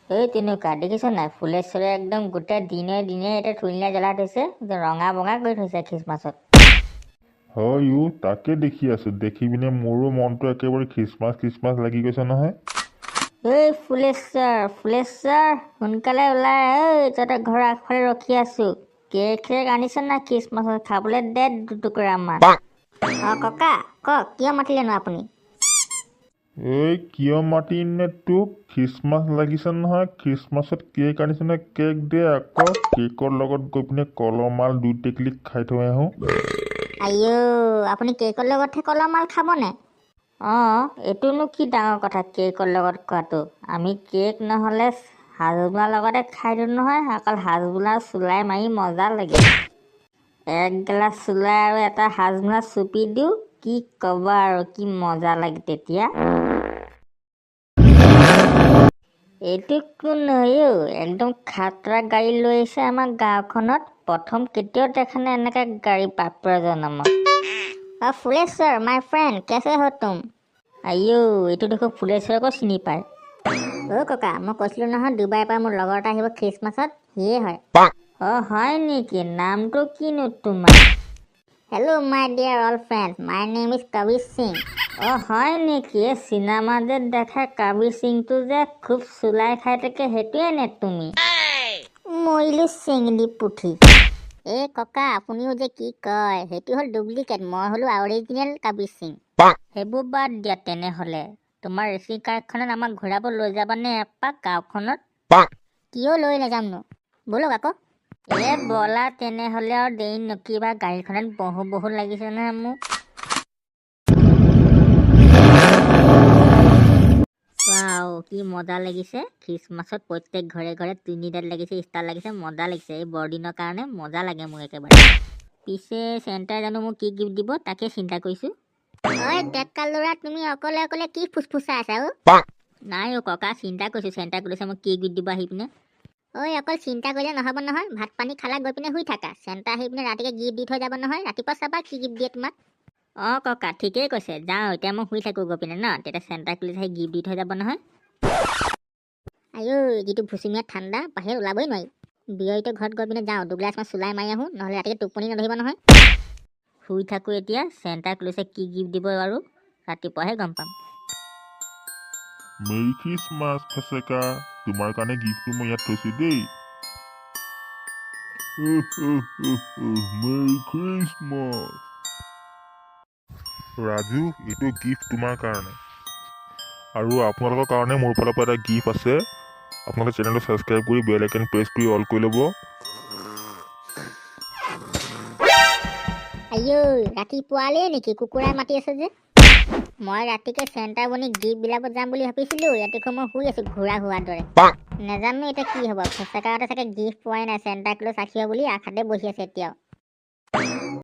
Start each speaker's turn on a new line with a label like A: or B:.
A: এই তেনেকুৱা দেখিছ নাই, ফুলেশ্বৰে একদম গোটেই দিনে দিনে এটা ধুনীয়া জ্বলাই থৈছে, ৰঙা বঙা কৰি থৈছে খ্ৰীষ্টমাছত।
B: হয় তাকে দেখি আছো, দেখি পিনে মোৰো মনটো একেবাৰে খ্ৰীষ্টমাছ লাগি গৈছে নহয়।
A: এই ফুলেশ্বৰ সোনকালে ওলাই, এই তহঁতৰ ঘৰৰ আগফালে ৰখি আছো। কেক আনিছ না খ্ৰীষ্টমাছত খাবলৈ দে দুটুকুৰা মান। ককা কওক, কিয় মাতিলেনো আপুনি?
B: এই কিয় মাতিম নে তোক, খ্ৰীষ্টমাছ লাগিছে নহয়, খ্ৰীষ্টমাছত কেক আনিছে নহয়, কেক দে আকৌ। কেকৰ লগত গৈ পিনে কলমাল 2 টেকেলি খাই থৈ আহোঁ।
A: আইঅ, আপুনি কেকৰ লগতহে কলমাল খাবনে? এইটোনো কি ডাঙৰ কথা কেকৰ লগত খোৱাটো। আমি কেক নহ'লে হাজমোলাৰ লগতে খাই দিওঁ নহয়। অকল হাজমোলা চুলাই মাৰি মজা লাগে। এক গিলাচ চুলাই আৰু এটা হাজমোলা চুপি দিওঁ, কি ক'বা আৰু, কি মজা লাগে তেতিয়া। এইটো কোন নহয়ো, একদম খাতৰা গাড়ী লৈ আহিছে আমাৰ গাঁওখনত। প্ৰথম কেতিয়াও দেখা নাই এনেকৈ গাড়ী বাপৰা জনমত। ফুলেশ্বৰ মাই ফ্ৰেণ্ড, কেছে हो तुम? আইঅ, এইটো দেখো ফুলেশ্বৰকো চিনি পায়। ককা, মই কৈছিলোঁ নহয় ডুবাইৰ পৰা মোৰ লগৰ এটা আহিব খ্ৰীষ্টমাছত, সিয়ে হয়। হয় নেকি? নামটো কিনো তোমাৰ? Hello' my dear all friend, my name is Kabir Singh. হয় নেকি? চিনেমা যে দেখা কবিৰ সিংটো যে খুব চুলাই খাই থাকে, সেইটোৱে নে তুমি? মৰিলো চেঙেলী পুঠি। ককা, আপুনিও যে কি কয়, সেইটো হ'ল ডুপ্লিকেট, মই হ'লো অৰিজিনেল কবিৰ সিং। সেইবোৰ বাদ দিয়া তেনেহ'লে। তোমাৰ ৰেচিং কাৰখনত আমাক ঘূৰাব লৈ যাবানে এপাক গাঁওখনত? কিয় লৈ নাযামনো, ব'লক আকৌ। ব'লা তেনেহ'লে, আৰু দেৰি নকৰিবা, গাড়ীখনত বহু লাগিছে নহয় মোক। কি মজা লাগিছে, খ্ৰীষ্টমাছত প্ৰত্যেক ঘৰে ঘৰে টুনিডাল লাগিছে, ষ্টাৰ লাগিছে, মজা লাগিছে। এই বৰদিনৰ কাৰণে মজা লাগে মোৰ একেবাৰে। পিছে চেণ্টাই জানো মোক কি গিফ্ট দিব তাকে চিন্তা কৰিছোঁ। ডেকা ল'ৰা, তুমি অকলে অকলে কি ফুচফুচাই আছা? নাই ককা, চিন্তা কৰিছোঁ চেণ্টা কৰিছে মোক কি গিফ্ট দিব আহি পিনে। অকল চিন্তা কৰিলে নহ'ব নহয়, ভাত পানী খালা গৈ পিনে শুই থাকা। চেণ্টা আহি পিনে ৰাতিকে গিফ্ট দি থৈ যাব নহয়, ৰাতিপুৱা চাবা কি গিফ্ট দিয়ে তোমাক। ককা ঠিকেই কৈছে, যাওঁ এতিয়া মই শুই থাকোঁ গৈ পিনে ন, তেতিয়া চেণ্টা ক্লজ আহি গিফ্ট দি থৈ যাব নহয়। যিটো ভুচুমীয়া ঠাণ্ডা, বাহিৰত ওলাবই নোৱাৰি। বিয়ৰিতে ঘৰত গৈ পিনে যাওঁ, দুগিলাচ মান চুলাই মাৰি আহোঁ, নহ'লে ৰাতিকে টোপনি নধৰিব নহয়। শুই থাকোঁ এতিয়া, চেণ্টা ক্লজে কি গিফ্ট দিব আৰু ৰাতিপুৱাহে গম পাম।
B: মেৰী খ্ৰীষ্টমাছ ফেচেকা, তোমাৰ কাৰণে গিফ্টটো মই ইয়াত থৈছোঁ দেই। Marie Christmas. ৰাজু, এইটো গিফ্ট তোমাৰ কাৰণে, আৰু আপোনালোকৰ কাৰণে মোৰ ফালৰ পৰা এটা গিফ্ট আছে। আপোনালোকে চেনেলটো ছাবস্ক্ৰাইব কৰি বেল আইকন প্ৰেছ কৰি অল কৰি ল'ব।
A: ৰাতিপুৱালেই নেকি কুকুৰাই মাতি আছে যে? মই ৰাতিকে চেণ্টা বনি গিফ্ট বিলাব যাম বুলি ভাবিছিলোঁ, ৰাতিখন মই শুই আছোঁ ঘোঁৰা হোৱাৰ দৰে। নাজানো এতিয়া কি হ'ব, ফেচেকাহঁতে চাগে গিফ্ট পোৱাই নাই, চেণ্টা ক্লজ আহিব বুলি আশাতে বহি আছে এতিয়াও।